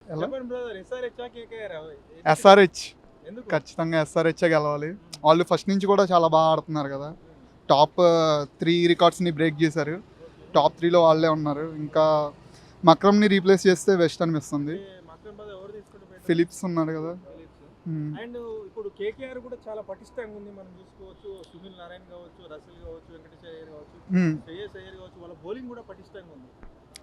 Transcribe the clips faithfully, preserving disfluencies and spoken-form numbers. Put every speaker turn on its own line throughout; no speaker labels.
ఎలా
చెప్పండి brother, SRH KKR
SRH
ఎందుకు?
ఖచ్చితంగా ఎస్ఆర్హెచ్ గెలవాలి. వాళ్ళు ఫస్ట్ నుంచి కూడా చాలా బాగా ఆడుతున్నారు కదా. టాప్ త్రీ రికార్డ్స్ని బ్రేక్ చేశారు. టాప్ త్రీలో వాళ్ళే ఉన్నారు. ఇంకా మక్రమ్ని రీప్లేస్ చేస్తే వెస్ట్ అనిపిస్తుంది.
మక్రమ్ బ్రదర్ ఎవరు తీసుకుంటే better?
ఫిలిప్స్ ఉన్నారు కదా.
ఫిలిప్స్.
మ్మ్.
అండ్ ఇప్పుడు కేకేఆర్ కూడా చాలా పటిష్టంగా ఉంది. మనం చూసుకోవచ్చు, సునీల్ నారాయణ కావచ్చు, రసల్ కావచ్చు, వెంకటేష్ అయ్యర్ కావచ్చు,
మ్మ్.
శ్రేయస్ అయ్యర్ కావచ్చు, వాళ్ళ బౌలింగ్ కూడా పటిష్టంగా ఉంది.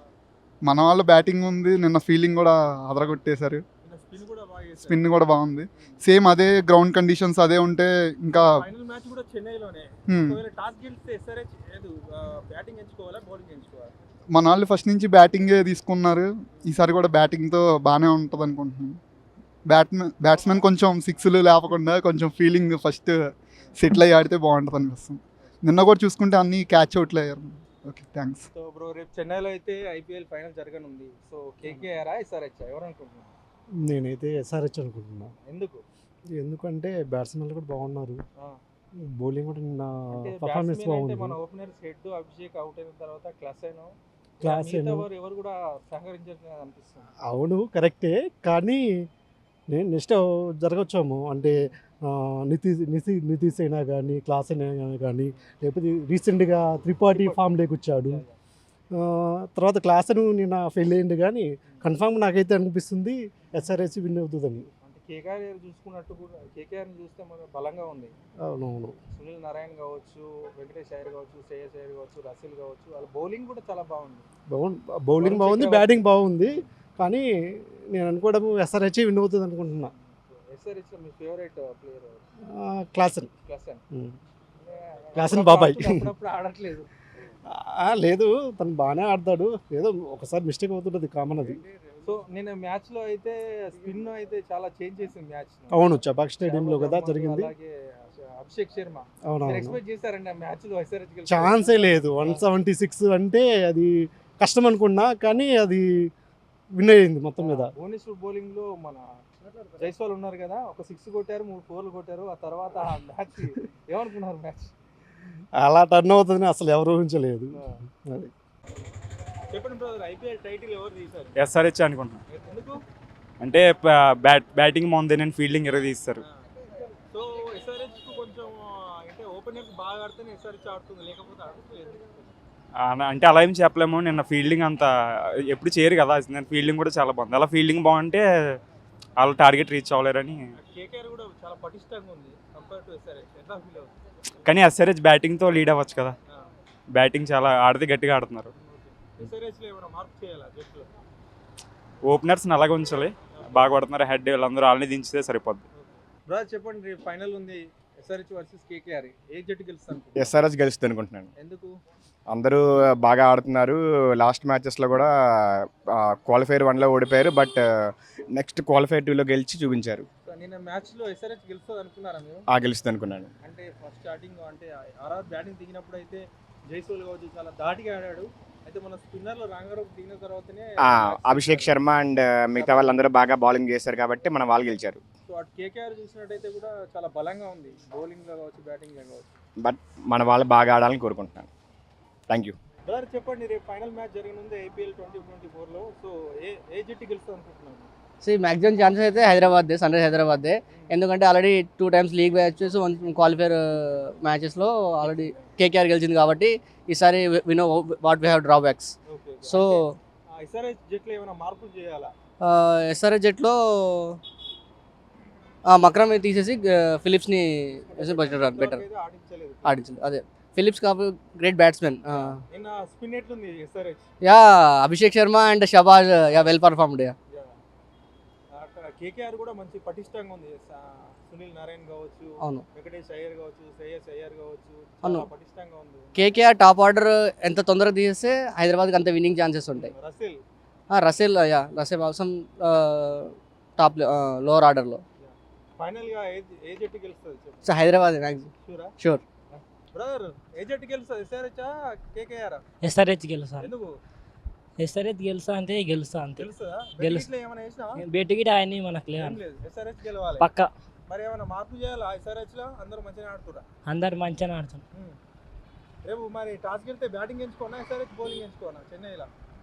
మన వాళ్ళు బ్యాటింగ్ ఉంది. నిన్న ఫీల్డింగ్ కూడా అదరగొట్టేశారు.
స్పిన్ కూడా బాగా చేశారు.
స్పిన్ కూడా బాగుంది. సేమ్ అదే గ్రౌండ్ కండిషన్స్ అదే ఉంటే ఇంకా
ఫైనల్ మ్యాచ్ కూడా చెన్నైలోనే.
మ్మ్.
ఒకవేళ టాస్ గెలిస్తే ఎస్ఆర్హెచ్ ఏదో బ్యాటింగ్ ఎంచుకోవాలా, బౌలింగ్ ఎంచుకోవాలా?
మన వాళ్ళు ఫస్ట్ నుంచి బ్యాటింగే తీసుకున్నారు. ఈసారి కూడా బ్యాటింగ్తో బాగానే ఉంటుంది అనుకుంటున్నాను. బ్యాట్మెన్ బ్యాట్స్మెన్ కొంచెం సిక్స్లు లేపకుండా కొంచెం ఫీలింగ్ ఫస్ట్ సెటిల్ అయ్యి ఆడితే బాగుంటుంది అనిపిస్తుంది. నిన్న కూడా చూసుకుంటే అన్ని క్యాచ్ అవుట్లు అయ్యారు. Okay, thanks.
సో బ్రో, రేపు చెన్నైలో అయితే ఐపీఎల్ ఫైనల్ జరగనుంది. సో కేకేఆర్ ఎస్ఆర్హెచ్ ఎవరు అనుకుంటున్నారు?
నేనైతే ఎస్ఆర్హెచ్ అనుకుంటున్నా.
ఎందుకు?
ఎందుకంటే బ్యాట్స్మెన్లు కూడా బాగున్నారు,
ఆ,
బౌలింగ్ కూడా నిన్న
అంటే
పర్ఫార్మెన్స్
batsman అంటే
బాగుంది.
మన ఓపెనర్స్ హెడ్ అభిషేక్ అవుట్ అయిన తర్వాత క్లాస్ అయిన
క్లాస్
మిగతా
అయిన
ఎవరు ఎవరు కూడా సహకరించారు అనిపిస్తుంది.
అవును, కరెక్టే. కానీ నేను నెక్స్ట్ జరగచ్చాము అంటే ఆ, నితీష్ నితీ నితీష్ అయినా కానీ క్లాస్ అయినా కానీ లేకపోతే రీసెంట్గా త్రిపాఠి ఫామ్లోకి వచ్చాడు. ఆ, తర్వాత క్లాస్ అని నిన్న ఫెయిల్ అయ్యింది. కానీ కన్ఫామ్ నాకైతే అనిపిస్తుంది ఎస్ఆర్హెచ్ విన్ అవుతుందని.
అంటే కేకేఆర్ చూసుకున్నట్టు కూడా కేకేఆర్ చూస్తే మన బలంగా ఉంది.
అవునవును,
సునీల్ నారాయణ కావచ్చు, వెంకటేష్ అయ్యర్ కావచ్చు, శ్రేయస్ అయ్యర్ కావచ్చు, రసిల్ కావచ్చు, వాళ్ళ బౌలింగ్ కూడా చాలా బాగుంది.
బాగుంది, బౌలింగ్ బాగుంది, బ్యాటింగ్ బాగుంది. కానీ నేను అనుకోవడం ఎస్ఆర్హెచ్ విన్ అవుతుంది అనుకుంటున్నా.
ఎస్ఆర్హెచ్ లో మీ favourite player
class
class
Klaasen బాబాయ్.
అప్పుడప్పుడు ఆడట్లేదు.
లేదు, తను బాగానే ఆడతాడు. ఏదో ఒకసారి మిస్టేక్ అవుతుంటుంది, కామన్ అది.
సో నేను మ్యాచ్ లో అయితే స్పిన్ అయితే చాలా చేంజ్ చేసింది మ్యాచ్.
అవును, చబాక్ స్టేడియంలో కదా జరిగింది.
అలాగే అభిషేక్ శర్మ
అవునవును,
ఎక్స్పెక్ట్ చేశారండి ఆ మ్యాచ్ లో ఎస్ఆర్హెచ్ గెలుస్తుంది?
ఛాన్సే లేదు. వన్ సెవెంటీ సిక్స్ అంటే అది కష్టం అనుకున్నా, కానీ అది విన్ అయ్యింది మొత్తం మీద.
భువనేశ్వర్ బౌలింగ్ లో మన జైస్వాల్ ఉన్నారు కదా, ఒక సిక్స్ కొట్టారు, మూడు ఫోర్లు కొట్టారు. ఆ తర్వాత ఆ మ్యాచ్ ఏమనుకున్నారు? మ్యాచ్
అలా టర్న్ అవుతుందని అసలు ఎవరు ఊహించలేదు. అది
చెప్పండి బ్రదర్, ఐపీఎల్ టైటిల్ ఎవరు తీశారు?
ఎస్ఆర్హెచ్ అనుకుంటున్నాను.
ఎందుకు?
అంటే బ్యాట్ బ్యాటింగ్ బాగుంది, నేను ఫీల్డింగ్ ఎరగ తీస్తారు.
సో ఎస్ఆర్హెచ్ కు కొంచెం అంటే ఓపెనర్స్ బాగా ఆడితేనే ఎస్ఆర్హెచ్ ఆడుతుంది, లేకపోతే ఆడుతుంది.
ఆ- అంటే అలా ఏం చెప్పలేము. నిన్న ఫీల్డింగ్ అంత ఎప్పుడు చేయరు కదా, నేను ఫీల్డింగ్ కూడా చాలా బాగుంది. అలా ఫీల్డింగ్ బాగుంటే వాళ్ళ టార్గెట్ రీచ్ అవ్వలేరని.
కేకేఆర్ కూడా చాలా పటిష్టంగా ఉంది కంపేర్ టు ఎస్ఆర్హెచ్. ఎట్లా ఫీల్ అవుతుంది?
కానీ ఎస్ఆర్హెచ్ బ్యాటింగ్తో లీడ్ అవ్వచ్చు కదా. బ్యాటింగ్ చాలా ఆడితే గట్టిగా ఆడుతున్నారు.
ఎస్ఆర్హెచ్ లో ఏమైనా మార్పు చేయాలా జట్టులో?
ఓపెనర్స్ని అలాగే ఉంచాలి, బాగా కొడుతున్నారు. హెడ్ వీళ్ళందరూ వాళ్ళని దించితే సరిపోద్ది.
బ్రదర్ చెప్పండి, రేపు ఫైనల్ ఉంది ఎస్ఆర్హెచ్ వర్సెస్ కేకేఆర్. ఏ జట్టు గెలుస్తాను?
ఎస్ఆర్హెచ్ గెలుస్తుంది అనుకుంటున్నాను.
ఎందుకు?
అందరూ బాగా ఆడుతున్నారు. లాస్ట్ మ్యాచెస్లో కూడా క్వాలిఫైర్ వన్లో ఓడిపోయారు, బట్ నెక్స్ట్ క్వాలిఫైర్ టూలో గెలిచి చూపించారు.
సో నిన్న మ్యాచ్ లో ఎస్ఆర్హెచ్ గెలుస్తుంది అనుకున్నారా మీరు?
ఆ గెలుస్తుంది అనుకున్నాను.
అంటే ఫస్ట్ స్టార్టింగ్ అంటే ఆర్ఆర్ బ్యాటింగ్ దిగినప్పుడు అయితే జైస్వాల్ కావచ్చు చాలా దాటిగా ఆడాడు. అయితే మన స్పిన్నర్లో రంగారావు దిగిన తర్వాతనే
ఆ, అభిషేక్ శర్మ అండ్ మిగతా వాళ్ళందరూ బాగా బౌలింగ్ చేశారు కాబట్టి మన వాళ్ళు గెలిచారు.
సో అటు కేకేఆర్ చూసినట్టయితే కూడా చాలా బలంగా ఉంది, బౌలింగ్ లో కావచ్చు, బ్యాటింగ్ లో కావచ్చు.
బట్ మన వాళ్ళు బాగా ఆడాలని కోరుకుంటున్నాను. Thank you.
బ్రదర్ చెప్పండి, రేపు ఫైనల్ మ్యాచ్ జరగనుంది ఐపీఎల్ ట్వంటీ ట్వంటీ ఫోర్లో. సో ఏ ఏ జట్టు గెలుస్తుంది అనుకుంటున్నాను?
సో మ్యాక్సిమం ఛాన్సెస్ అయితే హైదరాబాద్దే, సన్ రైజ్ హైదరాబాద్దే. ఎందుకంటే already two times league matches, one qualifier మ్యాచెస్లో ఆల్రెడీ కేకేఆర్ గెలిచింది కాబట్టి ఈసారి we know what we have drawbacks.
Okay.
So
SRH జట్లో ఏమైనా మార్పులు చేయాలా?
ఎస్ఆర్హెచ్ జట్లో మక్రమ్ తీసేసి ఫిలిప్స్ని బెటర్ బెటర్
అయితే ఆడించలేదు.
ఆడించింది. అదే ఫిలిప్స్ కాబట్టి గ్రేట్ బ్యాట్స్మెన్.
నిన్న స్పిన్ ఎట్లుంది SRH?
Yeah Abhishek Sharma and Shahbaz yeah well performed. Yeah
KKR కూడా మంచి పటిష్టంగా ఉంది. స- సునీల్ నారాయణ కావచ్చు,
అవును,
వెంకటేష్ అయ్యర్ కావచ్చు, శ్రేయస్ అయ్యర్ కావచ్చు,
అవును.
చాలా పటిష్టంగా ఉంది.
కేకేఆర్ టాప్ ఆర్డర్ ఎంత తొందరగా తీసేస్తే హైదరాబాద్కి అంత విన్నింగ్ ఛాన్సెస్ ఉంటాయి.
రసిల్
రసెల్ యా రసెల్ అవసరం టాప్ లోవర్ ఆర్డర్లో.
ఫైనల్ గా ఏ ఏ జట్టు గెలుస్తుంది చెప్పు?
సో హైదరాబాద్ మ్యాక్సిమం
షూరా?
షూర్.
బ్రదర్ ఏ జట్టు గెలుస్తుంది, ఎస్ఆర్హెచ్ కేకేఆర్?
ఎస్ఆర్హెచ్ గెలుస్తా.
ఎందుకు?
ఎస్ఆర్హెచ్ గెలుస్తా అంటే గెలుస్తా అంతే.
తెలుస్తుందా?
గెలుస్తా.
బెట్టింగ్లో ఏమైనా వేసినావా?
బెట్ గిట్ ఆయన్ని మనకు
ఏం
లేదు
లేదు, ఎస్ఆర్హెచ్ గెలవాలి.
పక్క.
మరి ఏమైనా మార్పు చేయాలా ఎస్ఆర్హెచ్ లో? అందరూ మంచిగా ఆడుతురా?
అందరు మంచిగా ఆడుతాం.
రేపు మరి టాస్ గెలితే బ్యాటింగ్ ఎంచుకోనా, ఎస్ఆర్హెచ్ బౌలింగ్ ఎంచుకోనా చెన్నైలో?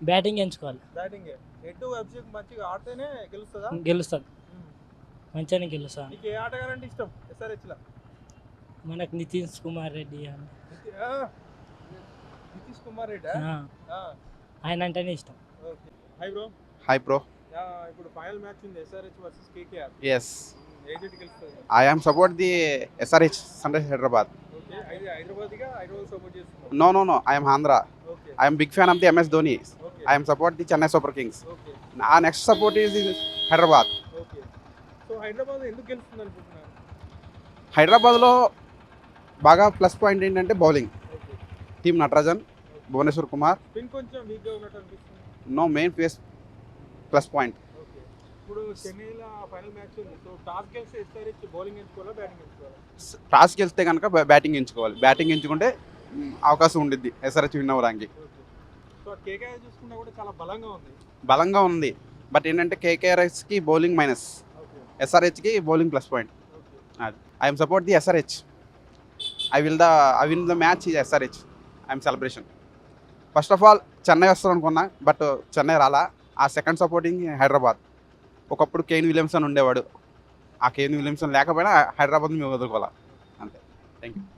బ్యాటింగ్ ఎంచుకోవాలి,
బ్యాటింగ్ ఎటు అభిషేక్ మంచిగా ఆడితేనే గెలుస్తుందా?
గెలుస్తుంది,
ఉమ్.
మంచిగానే గెలుస్తాను.
నీకు ఏ ఆటగారంటే ఇష్టం ఎస్ఆర్హెచ్ లా?
మనకు నితీష్ కుమార్ రెడ్డి అని
నితి- ఆ, నితీష్ కుమార్ రెడ్డి
ఆ, ఆయన అంటేనే ఇష్టం.
Okay. Hi bro.
Hi bro.
ఇప్పుడు ఫైనల్ మ్యాచ్ ఉంది ఎస్ఆర్హెచ్ వర్సెస్ కేకేఆర్.
Yes.
ఏ జట్టు గెలుస్తుంది?
I am support the S R H Sunrise Hyderabad.
Okay. అయితే హైదరాబాద్గా హైదరాబాద్ సపోర్ట్ చేస్తున్నాం.
No, no, no. I am Andhra.
Okay.
I am big fan of the M S Dhoni.
Okay.
I am support the Chennai Super Kings.
Okay.
Our next support is in Hyderabad.
Okay. So Hyderabad ఎందుకు గెలుస్తుంది అనుకుంటున్నారు?
హైదరాబాద్లో బాగా plus point ఏంటంటే బౌలింగ్.
Okay.
Team Natarajan, Bhuvneshwar Kumar.
Spin కొంచెం వీక్గా ఉన్నట్టు అనిపిస్తుంది.
No main face plus point.
Okay. ఇప్పుడు చెన్నైలో ఫైనల్ మ్యాచ్ ఉంది. సో టాస్ గెలిస్తే ఎస్ఆర్హెచ్ బౌలింగ్ ఎంచుకోవాలా బ్యాటింగ్ ఎంచుకోవాలా?
టాస్ గెలిస్తే కనుక బ్యాటింగ్ ఎంచుకోవాలి. బ్యాటింగ్ ఎంచుకుంటే మ్, అవకాశం ఉండిద్ది ఎస్ఆర్హెచ్ విన్ అవ్వడానికి.
ఓకే. సో కేకేఆర్ చూసుకున్నా కూడా చాలా బలంగా ఉంది.
బలంగా ఉంది. బట్ ఏంటంటే కేకేఆర్ఎస్కి బౌలింగ్ మైనస్,
ఓకే.
ఎస్ఆర్హెచ్కి బౌలింగ్ ప్లస్ పాయింట్.
ఓకే.
అది I'm support the SRH. I will the I win the match ఈ SRH. I'm celebration. First of all Chennai వస్తారు అనుకున్నా, బట్ చెన్నై రాలా. ఆ సెకండ్ సపోర్టింగ్ హైదరాబాద్. ఒకప్పుడు కేన్ విలియమ్సన్ ఉండేవాడు. ఆ కేన్ విలియమ్సన్ లేకపోయినా హైదరాబాద్ మేము వదులుకోవాలా అంతే. Thank you.